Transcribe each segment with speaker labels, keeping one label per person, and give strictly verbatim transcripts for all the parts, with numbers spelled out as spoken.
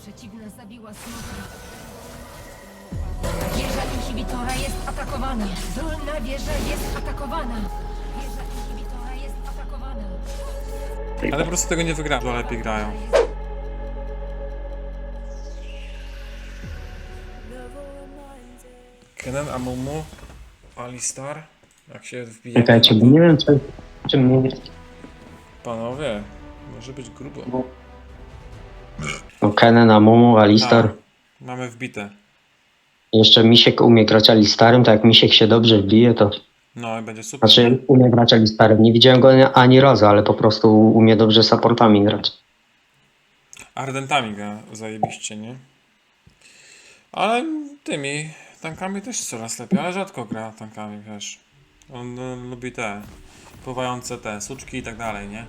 Speaker 1: przeciwna zabiła smoka. Wieża inhibitora jest atakowana. Dolna wieża jest atakowana. Wieża inhibitora jest atakowana.
Speaker 2: Ale po prostu tego nie wygra, bo lepiej grają. Kennen, Amumu, Alistar. Jak się wbije.
Speaker 3: Czekajcie, bo nie wiem, czy, czy mnie...
Speaker 2: Panowie, może być grubo.
Speaker 3: No, Kennen, Amumu, Alistar.
Speaker 2: Tak, mamy wbite.
Speaker 3: Jeszcze Misiek umie grać Alistarem, tak jak Misiek się dobrze wbije, to...
Speaker 2: No i będzie super.
Speaker 3: Znaczy, umie grać Alistarem. Nie widziałem go ani razu, ale po prostu umie dobrze supportami grać.
Speaker 2: Ardentami gra zajebiście, nie? Ale tymi tankami też coraz lepiej, ale rzadko gra tankami, wiesz. On, on lubi te pływające te suczki i tak dalej, nie?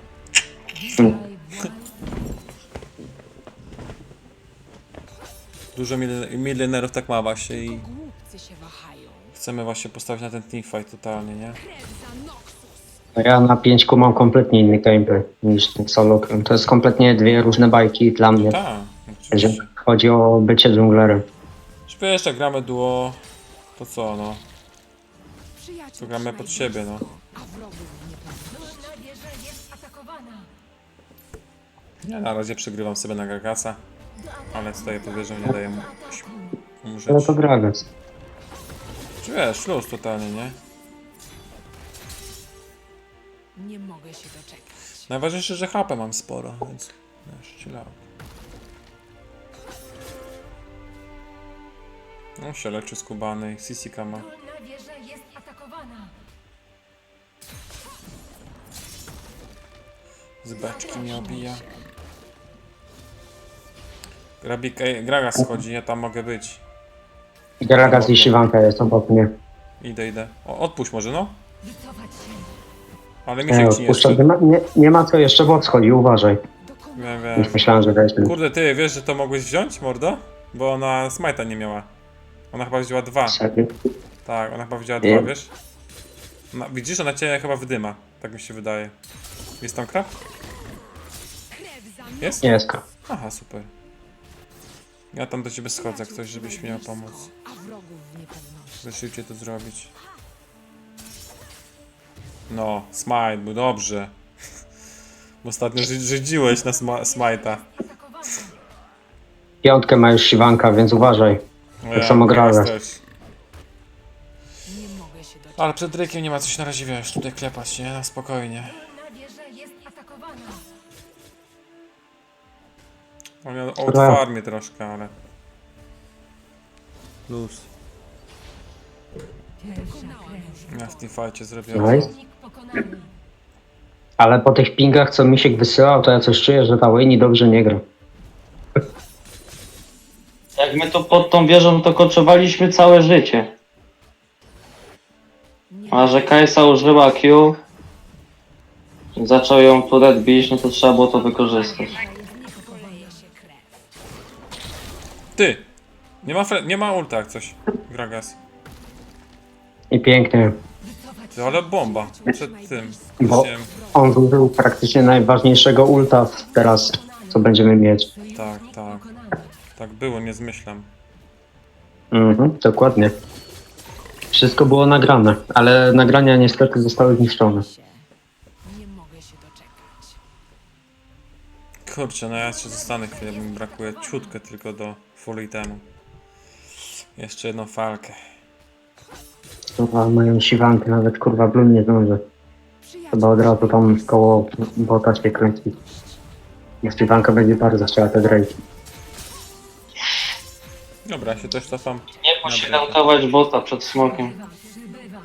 Speaker 2: Dużo mil- milionerów tak ma właśnie i
Speaker 1: Głupcy się wahają.
Speaker 2: chcemy właśnie postawić na ten teamfight totalnie, nie?
Speaker 3: Ja na pięćku mam kompletnie inny gameplay niż ten solo. To jest kompletnie dwie różne bajki dla mnie,
Speaker 2: Tak,
Speaker 3: jeżeli
Speaker 2: oczywiście.
Speaker 3: chodzi o bycie dżunglerem.
Speaker 2: Czy wiesz, jak gramy duo, to co, no?
Speaker 1: Przyjaciół
Speaker 2: To gramy pod siebie, no.
Speaker 1: a wrogów nie. Dolna wieża jest atakowana.
Speaker 2: Ja na razie przegrywam sobie na Gagasa, ale tutaj powierzę, nie daję mu umrzeć.
Speaker 3: Ale to Gragas.
Speaker 2: Czy wiesz, luz totalnie, nie?
Speaker 1: Nie mogę się doczekać.
Speaker 2: Najważniejsze, że H P mam sporo, więc wiesz, chill out. No się leczy skubany, Sisika ma.
Speaker 1: Dolna wieża jest atakowana.
Speaker 2: Z beczki mnie obija. Grabik, ej, Gragas schodzi, ja tam mogę być.
Speaker 3: Gragas i Siwanka jest obok mnie.
Speaker 2: Idę, idę. O, odpuść może, no.
Speaker 1: Wycofać się.
Speaker 2: Ale
Speaker 3: Nie,
Speaker 2: Misiek ci nie
Speaker 3: odpuszczam.
Speaker 2: jeszcze.
Speaker 3: nie, ma, nie, nie ma co jeszcze, bo schodzi, uważaj.
Speaker 2: Wiem, wiem.
Speaker 3: Już myślałem, że weźmie.
Speaker 2: Kurde, ty wiesz, że to mogłeś wziąć, mordo? Bo ona smite'a nie miała. Ona chyba wzięła dwa.
Speaker 3: Serio?
Speaker 2: Tak, ona chyba wzięła
Speaker 3: Nie.
Speaker 2: dwa, wiesz? No, widzisz, ona cię chyba wydyma. Tak mi się wydaje. Jest tam krab? Jest?
Speaker 3: Nie jest.
Speaker 2: Aha, super. Ja tam do ciebie schodzę, jak ktoś, żebyś miał pomóc.
Speaker 1: A wrogów w niepewności.
Speaker 2: Zeszlijcie to zrobić. No, smite, był dobrze. Bo ostatnio ży- żydziłeś na sma- smite'a.
Speaker 1: Atakowana.
Speaker 3: Piątkę ma już Siwanka, więc uważaj.
Speaker 2: No
Speaker 3: Tak samo
Speaker 2: teraz
Speaker 3: Gragas.
Speaker 2: też.
Speaker 1: Nie mogę się doczekać.
Speaker 2: Ale przed Drake'iem nie ma co się na razie, wiesz, tutaj klepać, nie? Na spokojnie.
Speaker 1: Dolna wieża jest atakowana.
Speaker 2: On miał
Speaker 3: Dobra.
Speaker 2: old farmie troszkę, ale... Luz. Ja w tym fajcie zrobiłem.
Speaker 3: Nice.
Speaker 1: Przeciwnik pokonany.
Speaker 3: Ale po tych pingach, co Misiek wysyłał, to ja coś czuję, że ta Wayne dobrze nie gra.
Speaker 4: Jak my to pod tą wieżą to koczowaliśmy całe życie. A że Kajsa użyła Q, zaczął ją turet bić, no to trzeba było to wykorzystać.
Speaker 1: Poleje się krew.
Speaker 2: Ty! Nie ma, fre- nie ma ulta jak coś. Gragas.
Speaker 3: I pięknie.
Speaker 2: Ty, ale bomba. Przed tym.
Speaker 3: Bo
Speaker 2: Wiem.
Speaker 3: on zużył praktycznie najważniejszego ulta teraz, co będziemy mieć.
Speaker 2: Tak, tak.
Speaker 1: Pokonany.
Speaker 2: Tak było, nie zmyślam.
Speaker 3: Mhm, dokładnie. Wszystko było nagrane, ale nagrania niestety zostały zniszczone.
Speaker 1: Nie mogę się doczekać.
Speaker 2: Kurczę, no ja jeszcze zostanę chwilę, bo mi brakuje ciutkę tylko do full itemu. Jeszcze jedną falkę.
Speaker 3: Kurwa, mają Siwankę, nawet kurwa Blum nie zdąży. Chyba od razu tam koło bota się kręci. Niech Siwanka będzie bardzo chciała te Drake.
Speaker 2: Dobra, ja się też cofam.
Speaker 4: Nie posiadałkować bota przed smokiem.
Speaker 1: Przybywam.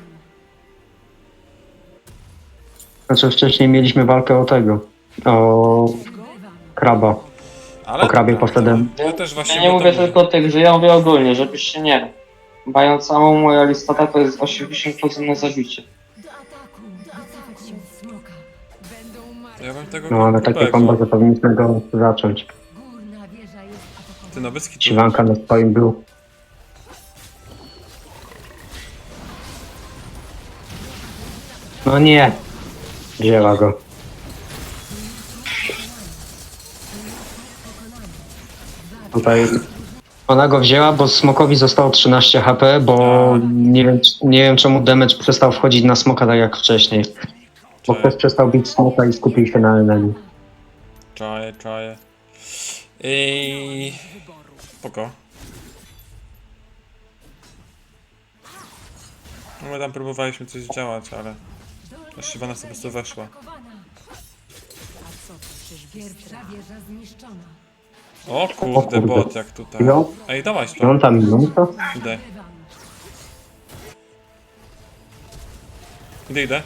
Speaker 3: Znaczy wcześniej mieliśmy walkę o tego. O
Speaker 1: Przybywam.
Speaker 3: kraba.
Speaker 2: Ale
Speaker 3: Po krabie
Speaker 2: dobra,
Speaker 3: poszedłem.
Speaker 2: Ja też właśnie
Speaker 4: Ja nie
Speaker 2: o
Speaker 4: mówię
Speaker 2: tym
Speaker 4: tylko o tych, że ja mówię ogólnie, żebyś się nie... Mając samą moja listata to jest osiemdziesiąt procent na zabicie.
Speaker 1: Do ataku. Do ataku. Smoka. Będą martwi.
Speaker 2: Ja bym tego
Speaker 3: No ale takie
Speaker 2: grubego.
Speaker 3: kombo, że powinniśmy go zacząć.
Speaker 1: Górna wieża jest atakowana.
Speaker 2: Ty Nowicki tu.
Speaker 3: Siwanka na swoim blue. No nie. Wzięła go. Tutaj ona go wzięła, bo smokowi zostało trzynaście H P, bo nie wiem, nie wiem czemu damage przestał wchodzić na smoka tak jak wcześniej. Bo
Speaker 2: Czaję,
Speaker 3: ktoś przestał bić smoka i skupił się na enemy.
Speaker 2: czaję, czaję. I... Spoko. No my tam próbowaliśmy coś działać, ale... Ta Shyvana sobie po prostu weszła.
Speaker 1: Pierwsza wieża zniszczona.
Speaker 2: O
Speaker 3: O
Speaker 2: kurde,
Speaker 3: kurde.
Speaker 2: bot jak tutaj.
Speaker 3: No.
Speaker 2: Ej, dawaj
Speaker 3: I
Speaker 2: to.
Speaker 3: on tam minuta?
Speaker 2: Idę. Idę, idę.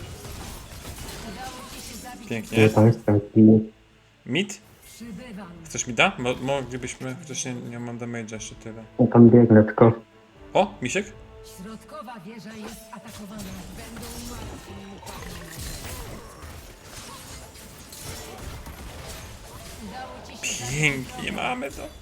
Speaker 2: Pięknie.
Speaker 3: Nie, tam jest taki...
Speaker 2: Mid?
Speaker 1: Przybywam.
Speaker 2: Chcesz mida? Mo moglibyśmy, chociaż nie, nie mam damage'a jeszcze tyle.
Speaker 3: Ja tam biegnę tylko.
Speaker 2: O, misiek?
Speaker 1: Środkowa wieża jest atakowana. Będą martwi. Udało ci się
Speaker 2: Pięknie, mamy to.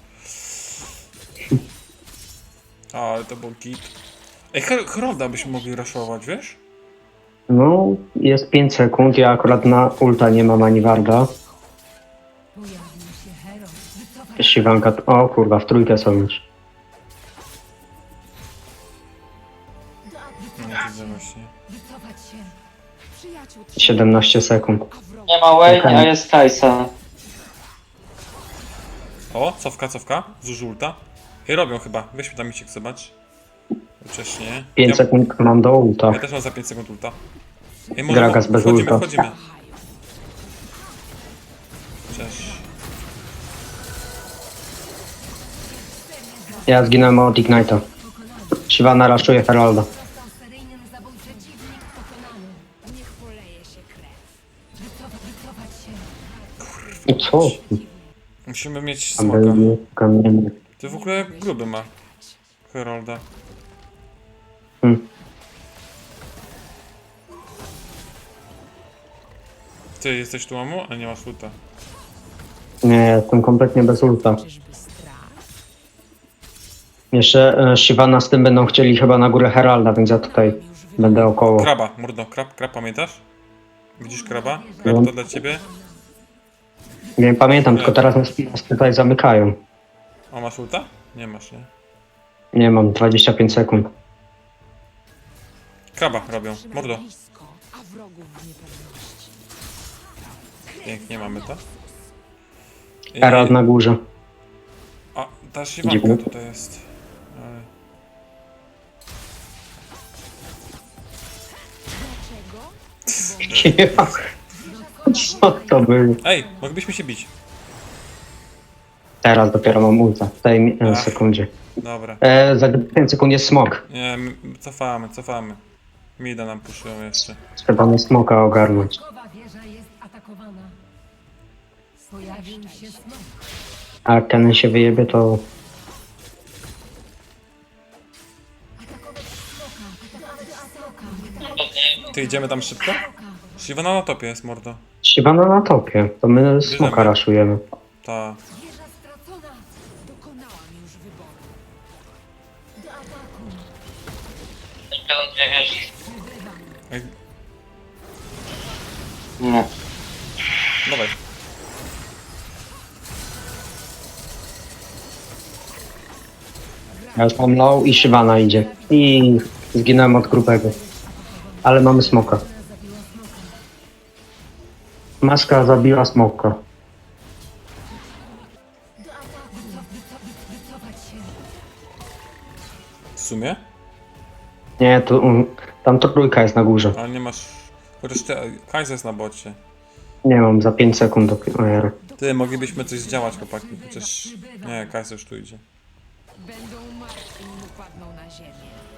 Speaker 2: O, ale to był git. Ej, Her- Herolda byśmy mogli raszować, wiesz?
Speaker 3: No, jest pięć sekund, ja akurat na ulta nie mam ani warda.
Speaker 1: Pojawił się hero. Wycofać
Speaker 3: Siwanka, o kurwa, w trójkę są już.
Speaker 2: No, widzę właśnie.
Speaker 1: Wycofać się.
Speaker 5: Przyjaciół
Speaker 3: siedemnaście sekund.
Speaker 5: a wrogów
Speaker 4: Nie ma Wayne,
Speaker 3: Okej.
Speaker 4: a jest Kajsa.
Speaker 2: O, cofka, cofka. Zużył ulta. Ej, robią chyba. Weźmy tam misiek, zobacz. Wcześniej.
Speaker 3: pięć
Speaker 2: Ja,
Speaker 3: sekund mam do ulta.
Speaker 2: ja też mam za pięć sekund ulta. Ej, może
Speaker 3: Gragas bez
Speaker 2: wchodzimy,
Speaker 3: ulta.
Speaker 2: wchodzimy. Cześć.
Speaker 3: Ja zginąłem od Ignite'a. Siwana raszuje Heralda.
Speaker 1: Został seryjnym zabójczy przeciwnik pokonany.
Speaker 5: niech poleje się krew.
Speaker 1: Wycofać, wycofać się.
Speaker 3: I co?
Speaker 2: Musimy mieć
Speaker 3: Tam
Speaker 2: smoka.
Speaker 3: był kamienny.
Speaker 2: Ty w ogóle gruby ma. Herolda.
Speaker 3: Hmm.
Speaker 2: Ty jesteś tu, mamu? A nie masz ulta.
Speaker 3: Nie, jestem kompletnie bez ulta.
Speaker 5: Czyżby strach?
Speaker 3: Jeszcze e, Shyvana z tym będą chcieli chyba na górę Heralda, więc ja tutaj będę około.
Speaker 2: Kraba, mordo, krab, krab, pamiętasz? Widzisz kraba? Krab to dla ciebie?
Speaker 3: Nie pamiętam, tylko teraz nas nas tutaj zamykają.
Speaker 2: O, masz ulta? Nie masz, nie?
Speaker 3: Nie mam, dwadzieścia pięć sekund.
Speaker 2: Kraba robią, mordo.
Speaker 5: Blisko, a wrogów w niepewności.
Speaker 2: Pięknie mamy to. I...
Speaker 3: Herald na górze.
Speaker 2: A, ta Shyvanka
Speaker 3: Dziękuję.
Speaker 2: tutaj jest. Ale...
Speaker 5: Dlaczego?
Speaker 3: Co to było?
Speaker 2: Ej, moglibyśmy się bić.
Speaker 3: Teraz dopiero mam ulta, w tej e,
Speaker 2: Ach.
Speaker 3: sekundzie.
Speaker 2: Dobra.
Speaker 3: E, za pięć sekund jest smok.
Speaker 2: Nie, m- cofamy, cofamy. Mida nam puszują jeszcze.
Speaker 3: Trzeba mnie smoka ogarnąć.
Speaker 1: Środkowa wieża jest atakowana. Pojawił się smok.
Speaker 3: A jak ten się wyjebie, to
Speaker 1: Atakować smoka. Atakować smoka.
Speaker 2: Ty idziemy tam szybko? Shyvana na topie jest, mordo.
Speaker 3: Shyvana na topie, to my smoka
Speaker 2: Bierzemy.
Speaker 3: raszujemy.
Speaker 2: Ta.
Speaker 1: Wieża stracona.
Speaker 5: Dokonałam już wyboru.
Speaker 1: Do ataku.
Speaker 2: Ej,
Speaker 4: Nie.
Speaker 2: dawaj.
Speaker 3: Ja już mam low i Shyvana idzie. I zginąłem od grubego. Ale mamy smoka. Maska zabiła smoka.
Speaker 1: Do ataku. Wycof, wycof, wycofać się.
Speaker 2: W sumie?
Speaker 3: Nie, to, um, tam to trójka jest na górze.
Speaker 2: Ale nie masz... Chociaż ty, Kaiser jest na bocie.
Speaker 3: Nie mam, za pięć sekund dopiero.
Speaker 2: Ty, moglibyśmy coś zdziałać, chłopaki. Chociaż... Nie, Kaiser już tu idzie.
Speaker 5: Będą martwi, nim upadną na ziemię.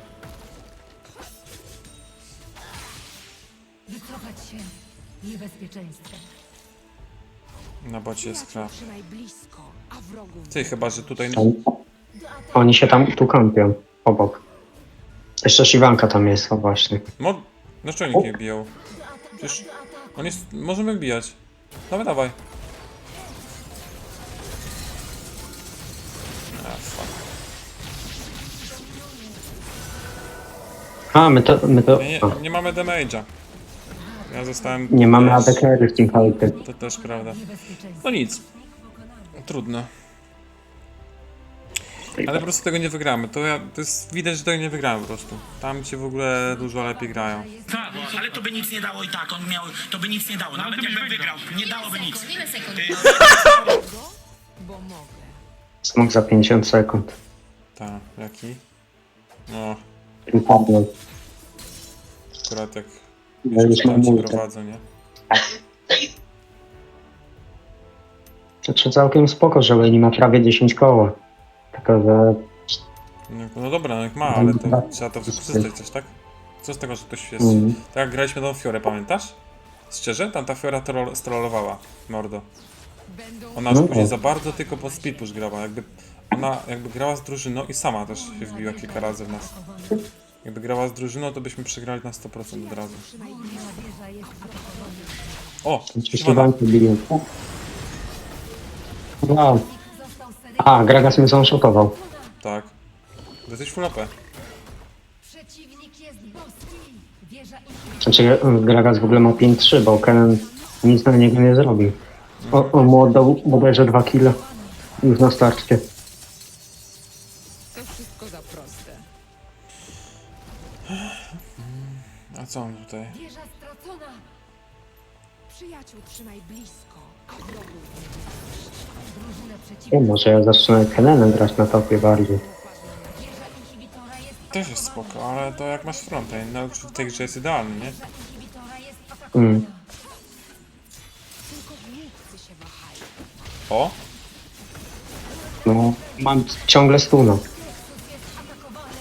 Speaker 1: Wycofać się. Niebezpieczeństwo.
Speaker 2: Na bocie jest krab.
Speaker 5: Trzymaj blisko, a wrogów
Speaker 2: Ty, chyba, że tutaj...
Speaker 3: Oni, oni się tam tu kampią, obok. Jeszcze Shyvanka tam jest, o właśnie.
Speaker 2: Mo... Dlaczego nikt nie biją? Przecież... On jest... Możemy bijać. Dawaj, dawaj. A, fuck.
Speaker 3: A, my to, my to,
Speaker 2: Nie, nie,
Speaker 3: a,
Speaker 2: nie mamy damage'a. Ja zostałem...
Speaker 3: nie mamy
Speaker 2: też-
Speaker 3: A D carry w tym fightie.
Speaker 2: To też prawda.
Speaker 1: Niebezpieczeństwo.
Speaker 2: No nic. Trudno. Ale po prostu tego nie wygramy. To, ja, to jest widać, że tego nie wygramy po prostu. Tam ci w ogóle dużo lepiej grają.
Speaker 6: Tak, bo- ale to by nic nie dało i tak, on miał, to by nic nie dało, nawet jakbym wygrał, nie dałoby nic.
Speaker 1: Ile sekund?
Speaker 6: Ty,
Speaker 5: Bo mogę.
Speaker 3: Smok za pięćdziesiąt sekund.
Speaker 2: Tak, jaki? No,
Speaker 3: I padłem.
Speaker 2: akurat jak
Speaker 3: Ja już mam
Speaker 2: tam ci
Speaker 3: multi.
Speaker 2: prowadzą, nie?
Speaker 3: Znaczy całkiem spoko, że Leni ma prawie dziesięć koła. Tylko, że
Speaker 2: No, no dobra, no jak ma, ale to trzeba to wykorzystać coś, tak? Co z tego, że ktoś jest...
Speaker 3: Mm.
Speaker 2: Tak jak graliśmy tą Fiorę, pamiętasz? Szczerze? Tam ta Fiora troll, strollowała, mordo.
Speaker 5: Będą
Speaker 2: Ona już
Speaker 3: No.
Speaker 2: później za bardzo tylko pod speed push grała, jakby... Ona jakby grała z drużyną i sama też się wbiła kilka razy w nas. Jakby grała z drużyną, to byśmy przegrali na sto procent od razu. O!
Speaker 3: oczywiście
Speaker 2: Siwana.
Speaker 3: banki biją. Wow. A, Gragas mnie zanshotował.
Speaker 2: Tak. To jesteś full A P.
Speaker 1: Przeciwnik jest boski. Wieża inhibitora.
Speaker 3: Znaczy Gragas w ogóle ma pięć trzy, bo Kennen nic na niego nie zrobił. O, on mu oddał bodajże dwa kile. Już na starcie.
Speaker 5: to wszystko za proste.
Speaker 2: A co on tutaj?
Speaker 1: Wieża stracona.
Speaker 5: Przyjaciół trzymaj blisko, a wrogów
Speaker 1: Drużyna
Speaker 3: Nie,
Speaker 1: przeciwnika.
Speaker 3: może ja zacznę Kennenem grać na topie bardziej.
Speaker 1: Wieża inhibitora jest
Speaker 2: Też jest spoko, ale to jak masz frontend, no w tej grze jest idealny, nie?
Speaker 1: Wieża inhibitora jest atakowana.
Speaker 3: Mm.
Speaker 5: tylko głupcy się wahają.
Speaker 2: O!
Speaker 3: No, mam ciągle stuna.
Speaker 1: Nexus jest atakowany.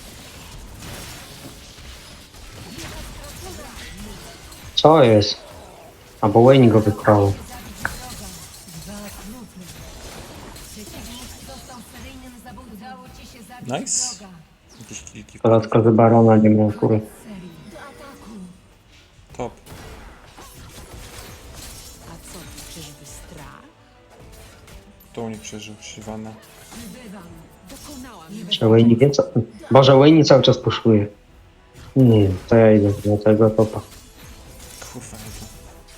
Speaker 3: Co jest? Albo Wayne go wykrało.
Speaker 1: Przeciwnik został seryjnym zabójcą. Udało ci się zabić
Speaker 2: Nice.
Speaker 1: wroga.
Speaker 2: Jakieś kilki.
Speaker 3: Dodatkowy Barona nie miał kury.
Speaker 1: Serii. Do ataku.
Speaker 2: Top.
Speaker 5: A co, czyżby strach?
Speaker 2: To u nich przeżył, Shyvana.
Speaker 5: Dokonałam
Speaker 3: Że Wayne wie co... Boże, Wayne cały czas puszuje. Nie, to ja idę do tego topa.
Speaker 2: Kurwa, nie to.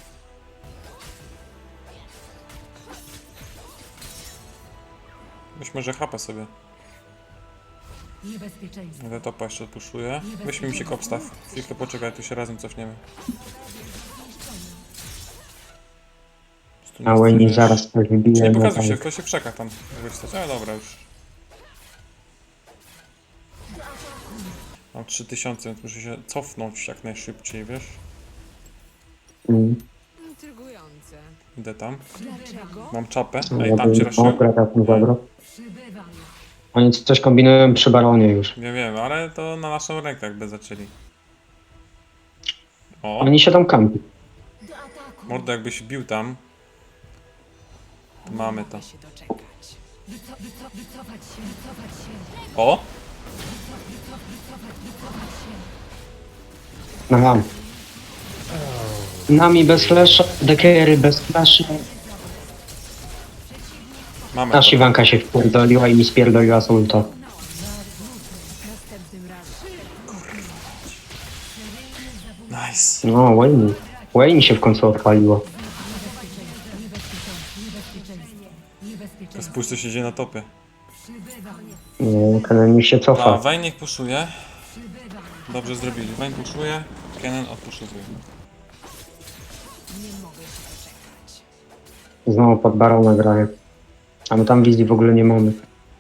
Speaker 2: Weź może chapa sobie.
Speaker 1: Niebezpieczeństwo.
Speaker 2: Ja topa jeszcze odpuszuję. Weźmy mi się kopstaw. Chwilkę poczekaj, tu się razem cofniemy. Tu
Speaker 3: A
Speaker 2: nie
Speaker 3: Wayne
Speaker 2: wiesz.
Speaker 3: zaraz coś
Speaker 2: Nie
Speaker 3: wybije. na
Speaker 2: pokazuj się,
Speaker 3: tank.
Speaker 2: kto się przeka tam. Jakby stać. Ale dobra już. Mam trzy tysiące, więc muszę się cofnąć jak najszybciej, wiesz?
Speaker 3: Mm.
Speaker 5: intrygujące.
Speaker 2: Idę tam.
Speaker 5: Dlaczego?
Speaker 2: Mam czapę.
Speaker 3: No,
Speaker 2: Ej, tam cię
Speaker 3: o,
Speaker 2: raszyłem?
Speaker 3: Gragas mu zabrał.
Speaker 1: Przybywam.
Speaker 3: Oni coś kombinują przy Baronie już.
Speaker 2: Nie wiem, ale to na naszą rękę jakby zaczęli. O,
Speaker 3: Oni się tam kampi.
Speaker 1: Do ataku.
Speaker 2: mordo jakbyś bił tam. To mamy to.
Speaker 5: Mogę się doczekać.
Speaker 1: Wyco, wyco, wycofać się, wycofać się.
Speaker 2: O!
Speaker 1: Wycofać, wycofać się.
Speaker 3: Aha. Nami bez flasha, Dekery bez flasha.
Speaker 2: Mamy
Speaker 3: A
Speaker 2: to.
Speaker 3: Siwanka się wpierdoliła i mi spierdoliła z ulta.
Speaker 5: Następnym razem.
Speaker 2: Nice.
Speaker 3: No, Wayne. Wayne się w końcu odpaliła.
Speaker 2: To spójrz co się dzieje na topie.
Speaker 3: Nie, Kennen mi się
Speaker 2: A,
Speaker 3: cofa.
Speaker 2: Vayne niech puszuje. Dobrze zrobili. Vayne puszuje, Kennen odpuszuje.
Speaker 5: Nie mogę się doczekać.
Speaker 3: Znowu pod Barona graje. A my tam wizji w ogóle nie mamy.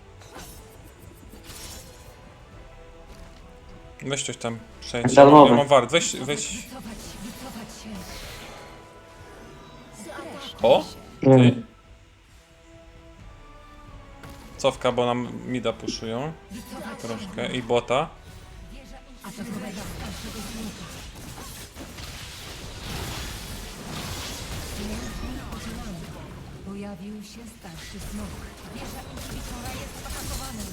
Speaker 2: Weź coś tam przejdź.
Speaker 4: Darmowy.
Speaker 2: Ja mam wart. Weź, weź. O!
Speaker 3: Nie,
Speaker 2: Ty. Cofka, bo nam mida puszują. Troszkę. I bota.
Speaker 1: Pojawił się starszy smok. Wieża inhibitora jest atakowana.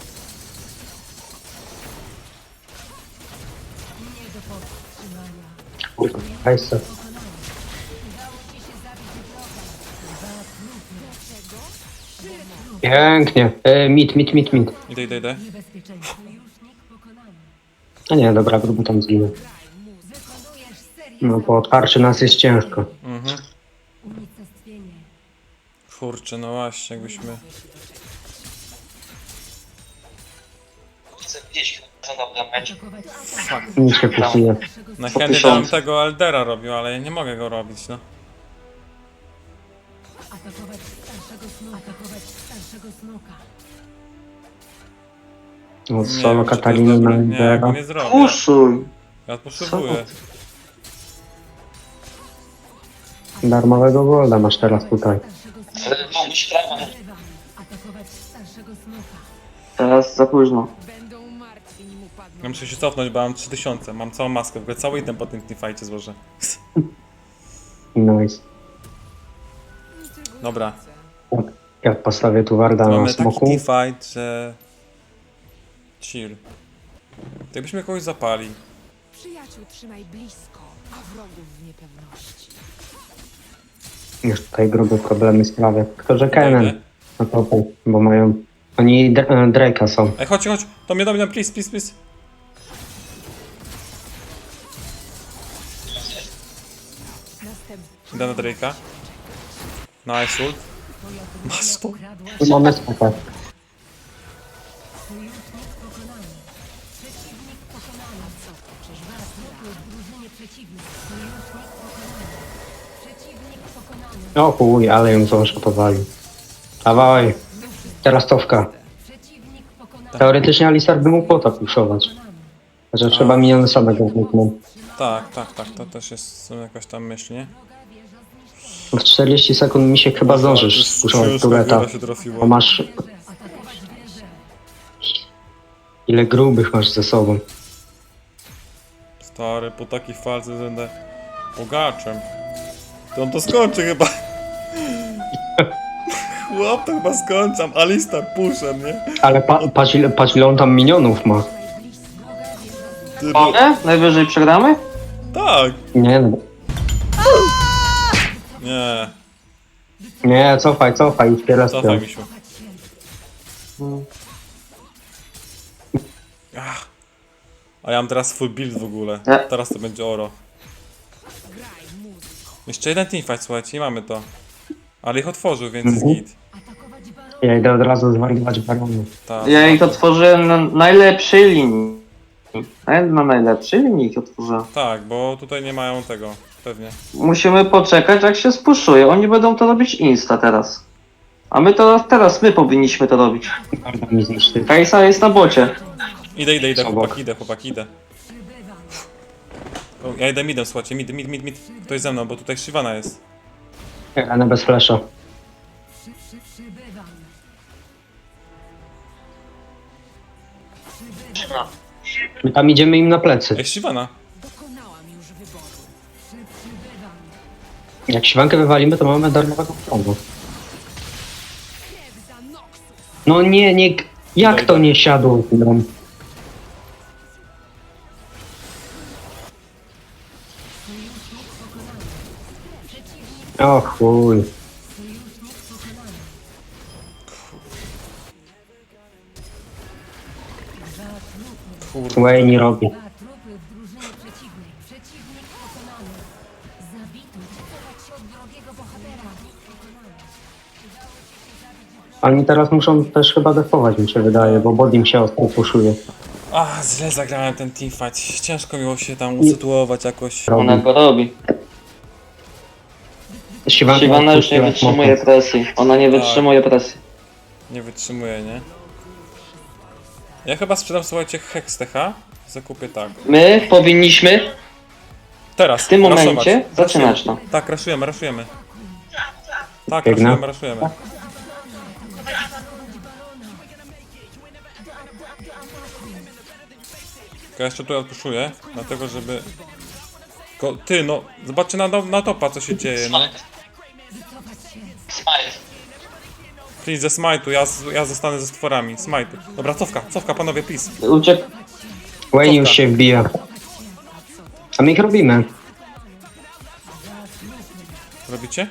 Speaker 1: Nie do powstrzymania.
Speaker 3: kurwa, hajsa.
Speaker 1: Udało ci się zabić wroga.
Speaker 3: Pięknie. E, mit, mit, mit, mit.
Speaker 2: Idę, idę, idę.
Speaker 1: Niebezpieczeństwo. Sojusznik pokonany.
Speaker 3: A nie, dobra, grubo tam zginął.
Speaker 1: Wykonujesz serię
Speaker 3: No bo od tarczy nas jest ciężko.
Speaker 2: Mhm.
Speaker 1: unicestwienie.
Speaker 2: Kurczę, no właśnie, jakbyśmy...
Speaker 4: Gdzieś dobra mecz.
Speaker 1: Atakować
Speaker 2: Fuck.
Speaker 3: Nic się pusuje.
Speaker 2: Na
Speaker 4: Po
Speaker 2: chętnie
Speaker 4: tysiąc.
Speaker 2: bym tego Eldera robił, ale ja nie mogę go robić, no.
Speaker 1: Atakować starszego smoka. Atakować starszego smoka.
Speaker 3: No,
Speaker 2: Nie
Speaker 3: solo
Speaker 2: wiem, czy to jest
Speaker 3: Katariny
Speaker 2: dobre.
Speaker 3: na
Speaker 2: Nie, ja go
Speaker 3: Lidera.
Speaker 2: nie zrobię.
Speaker 4: Puszuj!
Speaker 2: Ja potrzebuję.
Speaker 3: Darmowego golda masz teraz tutaj.
Speaker 1: Starszego smoka.
Speaker 4: Ale mówisz prawo.
Speaker 1: Wyrywam. Atakować starszego smoka.
Speaker 4: Teraz za późno.
Speaker 5: Będą martwi, nim upadną.
Speaker 2: Ja muszę się cofnąć, bo mam trzy tysiące. Mam całą maskę, w ogóle cały item po tym teamfightie złożę.
Speaker 3: Nice.
Speaker 2: Dobra.
Speaker 3: Jak, jak postawię tu Warda na
Speaker 2: Mamy taki
Speaker 3: smoku,
Speaker 2: teamfight, że... Chill. To jakbyśmy kogoś zapali.
Speaker 5: Przyjaciół trzymaj blisko, a wrogów w niepewności.
Speaker 3: już tutaj grube problemy sprawia. Tylko, że
Speaker 2: Dojdę.
Speaker 3: Kennen na topie, bo mają... Oni D- e, Drake'a są.
Speaker 2: Ej, chodź, chodź! Do mnie, do mnie, please, please, please.
Speaker 5: Następny.
Speaker 2: Idę na Drake'a. Nice ult. Masz to?
Speaker 3: Tu mamy smoka.
Speaker 1: Sojusznik pokonany. Przeciwnik pokonany. Co to? Czyż was trupy w drużynie przeciwnej. Sojusznik pokonany. Przeciwnik pokonany.
Speaker 3: O chuj, ale ją zdążę powalił. Dawaj. Teraz cofka.
Speaker 1: Przeciwnik pokonany.
Speaker 3: Teoretycznie Alistar by mógł pota puszować. Że trzeba miniony samego kliknąć.
Speaker 2: Tak, tak, tak, to też jest są jakaś tam myśl, nie?
Speaker 3: W czterdzieści sekund mi się chyba zdążysz spuszować tureta.
Speaker 2: się
Speaker 3: Bo
Speaker 2: trafiło.
Speaker 3: masz...
Speaker 1: Atakować wieżę.
Speaker 3: Ile grubych masz ze sobą.
Speaker 2: Stary, po takiej falce będę bogaczem. To on to skończy chyba. Chłop to chyba skończam. Alistar puszem, nie?
Speaker 3: Ale pa, patrz, ile, patrz ile on tam minionów ma.
Speaker 2: Ty, bo...
Speaker 4: Mogę? Najwyżej przegramy?
Speaker 2: Tak!
Speaker 3: Nie no.
Speaker 2: Nie,
Speaker 3: Nie, cofaj, cofaj, już teraz
Speaker 2: cofaj mi się. Ach. A ja mam teraz full build w ogóle.
Speaker 4: Nie.
Speaker 2: Teraz to będzie oro. Jeszcze jeden teamfight, słuchajcie, nie mamy to. Ale ich otworzył, więc jest
Speaker 3: Mhm.
Speaker 2: git.
Speaker 1: Atakować barona.
Speaker 3: Ja idę od razu zwariować baronu.
Speaker 2: Tak.
Speaker 4: Ja ich otworzyłem na najlepszej linii. Na na najlepszej linii ich otworzyłem.
Speaker 2: Tak, bo tutaj nie mają tego, pewnie.
Speaker 4: Musimy poczekać, jak się spuszuje. Oni będą to robić insta teraz. A my to teraz my powinniśmy to robić.
Speaker 3: Bardzo mi zniszczy.
Speaker 4: Kajsa jest na bocie.
Speaker 2: Idę, idę, idę,
Speaker 3: Obok.
Speaker 2: chłopaki, idę, chłopaki, idę. O, ja idę midem, słuchajcie, mid, mid, mid, mid. Ktoś ze mną, bo tutaj Shyvana jest.
Speaker 3: Rana bez flasha.
Speaker 1: Przy, przy, przybywam. Przybywam.
Speaker 3: My tam idziemy im na plecy.
Speaker 2: Ej, Shyvana!
Speaker 5: Dokonałam już wyboru.
Speaker 1: Przy, przybywam.
Speaker 3: Jak siwankę wywalimy, to mamy darmowego prądu.
Speaker 5: Krew za Noxus.
Speaker 3: No nie, nie... Jak to nie siadło? No.
Speaker 1: Sojusznik pokonany. Przeciwnik
Speaker 3: O chuj.
Speaker 1: sojusznik pokonany. Dwa trupy.
Speaker 2: Kurde.
Speaker 3: Wayne nie robi.
Speaker 1: Dwa trupy w drużynie przeciwnej. Przeciwnik pokonany. Zabity. Chować się od drogiego bohatera. Pokonany. Udało ci się zabić
Speaker 3: Oni teraz muszą też chyba defować, mi się wydaje, bo Bodim się ostro puszuje.
Speaker 2: A, źle zagrałem ten teamfight. Ciężko miło się tam usytuować jakoś.
Speaker 4: Ona go robi.
Speaker 3: Siwanka
Speaker 4: Siwana już nie
Speaker 3: odpuściła
Speaker 4: wytrzymuje
Speaker 3: smoka.
Speaker 4: presji. Ona nie wytrzymuje presji.
Speaker 2: Nie wytrzymuję, nie? Ja chyba sprzedam, słuchajcie, Hex T H. Zakupię tak.
Speaker 4: My powinniśmy
Speaker 2: Teraz.
Speaker 4: w tym
Speaker 2: raszować.
Speaker 4: momencie zaczynać to.
Speaker 2: Tak, raszujemy, raszujemy. Tak,
Speaker 3: Biegnę.
Speaker 2: raszujemy, raszujemy. Ja jeszcze tutaj odpuszuję, dlatego żeby... Ko ty, no, zobaczcie na, na topa, co się dzieje, no. Please, ze smite'u, ja, z- ja zostanę ze stworami, smite'u. Dobra, cofka, cofka, panowie, please.
Speaker 4: Uciek.
Speaker 3: Wayne już się wbija. A my ich robimy.
Speaker 2: Robicie?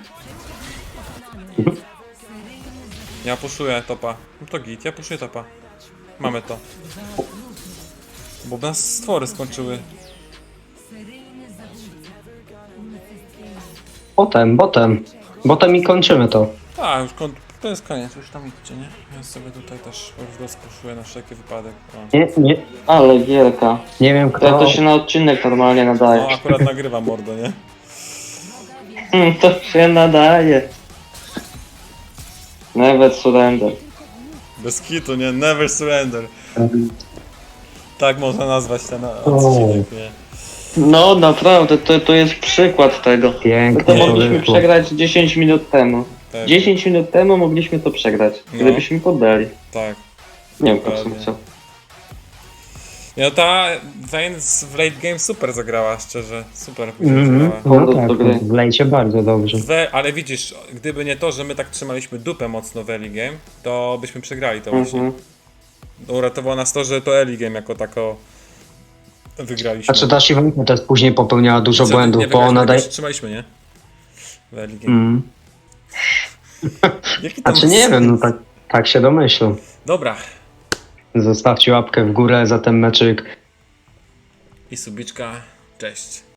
Speaker 2: Ja puszuję topa. No to git, ja puszuję topa. Mamy to. Bo nas stwory skończyły.
Speaker 1: seryjny zabójca. Unicestwienie.
Speaker 3: Potem, potem. Potem i kończymy to.
Speaker 2: A, już kon to jest koniec, już tam idźcie, nie? Ja sobie tutaj też rozpuszuję na wszelki wypadek. O.
Speaker 3: Nie, nie,
Speaker 4: Ale gierka.
Speaker 3: nie wiem
Speaker 4: To,
Speaker 3: kto...
Speaker 4: to się na odcinek normalnie
Speaker 2: No
Speaker 4: nadaje.
Speaker 2: akurat nagrywam mordo, nie?
Speaker 4: Hmm, to się nadaje. Never surrender.
Speaker 2: Bez kitu, nie? Never surrender. Tak można nazwać ten odcinek, nie?
Speaker 4: No naprawdę, to, to jest przykład tego. To, to
Speaker 3: Pięknie to
Speaker 4: mogliśmy
Speaker 3: wyszło.
Speaker 4: przegrać dziesięć minut temu.
Speaker 2: Tak,
Speaker 4: dziesięć minut temu mogliśmy to przegrać,
Speaker 2: No.
Speaker 4: gdybyśmy poddali.
Speaker 2: tak.
Speaker 4: Nie wiem po
Speaker 2: Dokładnie.
Speaker 4: co. co.
Speaker 2: No ta Vayne w late game super zagrała, szczerze. Super później
Speaker 3: Mhm.
Speaker 2: zagrała.
Speaker 3: No
Speaker 4: Do-
Speaker 3: tak,
Speaker 4: do gry.
Speaker 3: w lejcie bardzo dobrze.
Speaker 2: We, ale widzisz, gdyby nie to, że my tak trzymaliśmy dupę mocno w early game, to byśmy przegrali to właśnie.
Speaker 4: Mhm.
Speaker 2: Uratowało nas to, że to early game jako tako wygraliśmy.
Speaker 3: Znaczy ta Siwanka też później popełniała dużo
Speaker 2: Co,
Speaker 3: błędów,
Speaker 2: nie
Speaker 3: bo
Speaker 2: wygraliśmy,
Speaker 3: ona
Speaker 2: tylko
Speaker 3: daje...
Speaker 2: się trzymaliśmy, nie? W early game.
Speaker 3: Mm.
Speaker 2: Jaki to
Speaker 3: Znaczy
Speaker 2: ma
Speaker 3: nie
Speaker 2: sens?
Speaker 3: wiem, no tak, tak się domyślam.
Speaker 2: Dobra.
Speaker 3: Zostawcie łapkę w górę za ten meczyk.
Speaker 2: I subiczka. Cześć.